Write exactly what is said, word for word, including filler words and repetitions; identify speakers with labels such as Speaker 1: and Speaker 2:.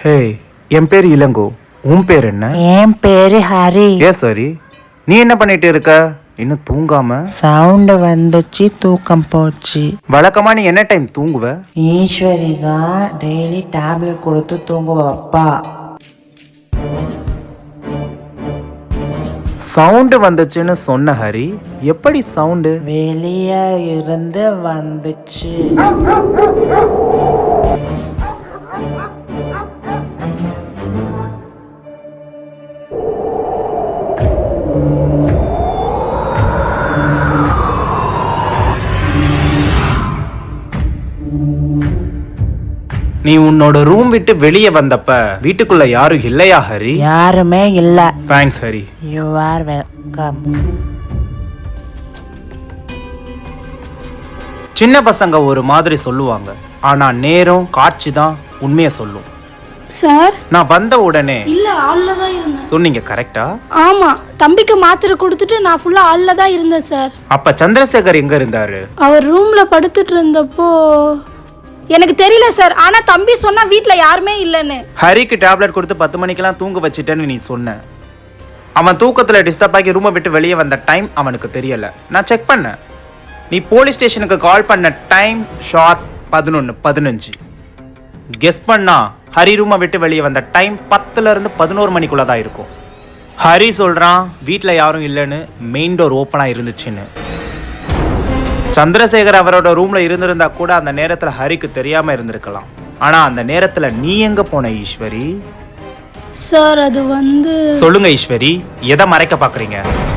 Speaker 1: ஹே, என் பேர் இளங்கோ. உன் பேர் என்ன?
Speaker 2: என் பேரு ஹரி.
Speaker 1: ஏ சரி, நீ என்ன பண்ணிட்டு இருக்க? இன்னும் தூங்காம?
Speaker 2: சவுண்ட் வந்துச்சு, தூக்கம் போச்சு.
Speaker 1: வழக்கமா நீ என்ன டைம் தூங்குவ?
Speaker 2: ஈஸ்வரி தான் டெய்லி டேப்லெட் கொடுத்து தூங்க வைப்பா.
Speaker 1: சவுண்டு வந்துச்சுன்னு சொன்ன ஹரி. எப்படி சவுண்டு?
Speaker 2: வெளியே இருந்து வந்துச்சு.
Speaker 1: நீ உன்னோட ரூம் விட்டு வெளியே வந்தப்ப வீட்டுக்குள்ள யாரும் இல்லையா ஹரி?
Speaker 2: யாருமே இல்ல.
Speaker 1: Thanks Hari.
Speaker 2: You are welcome.
Speaker 1: சின்ன பசங்க ஒரு மாதிரி சொல்லுவாங்க, ஆனா நேரம் காட்சி தான் உண்மையை சொல்லும்.
Speaker 3: சார்,
Speaker 1: நான் வந்த உடனே
Speaker 3: இல்ல ஆள்ல தான் இருந்தேன்.
Speaker 1: சொன்னீங்க கரெக்டா?
Speaker 3: ஆமா, தம்பிக்கு மாத்திரை கொடுத்துட்டு நான் ஃபுல்லா ஆள்ல தான் இருந்தேன் சார்.
Speaker 1: அப்ப சந்திரசேகர் எங்க இருந்தாரு?
Speaker 3: அவர் ரூம்ல படுத்துட்டு இருந்தப்போ எனக்கு தெரியல சார். ஆனா தம்பி சொன்னா வீட்ல யாருமே இல்லைன்னு.
Speaker 1: ஹரிக்கு டேப்லெட் கொடுத்து பத்து மணிக்கெல்லாம் தூங்க வச்சிட்டேன்னு நீ சொன்ன. அவன் தூக்கத்துல டிஸ்டர்ப் ஆகி ரூமை விட்டு வெளியே வந்த டைம் அவனுக்கு தெரியல. நான் செக் பண்ணேன். நீ போலீஸ் ஸ்டேஷனுக்கு கால் பண்ண டைம் ஷார்ப் பதினொன்று பதினஞ்சு. கெஸ் பண்ணா ஹரி ரூமை விட்டு வெளியே வந்த டைம் பத்துல இருந்து பதினோரு மணிக்குள்ள தான் இருக்கும். ஹரி சொல்றான் வீட்டில் யாரும் இல்லைன்னு, மெயின் டோர் ஓப்பனா இருந்துச்சுன்னு. சந்திரசேகர் அவரோட ரூம்ல இருந்திருந்தா கூட அந்த நேரத்துல ஹரிக்கு தெரியாம இருந்திருக்கலாம். ஆனா அந்த நேரத்துல நீ எங்க போன ஈஸ்வரி?
Speaker 3: சார் அது வந்து
Speaker 1: சொல்லுங்க ஈஸ்வரி, எதை மறைக்க பாக்குறீங்க?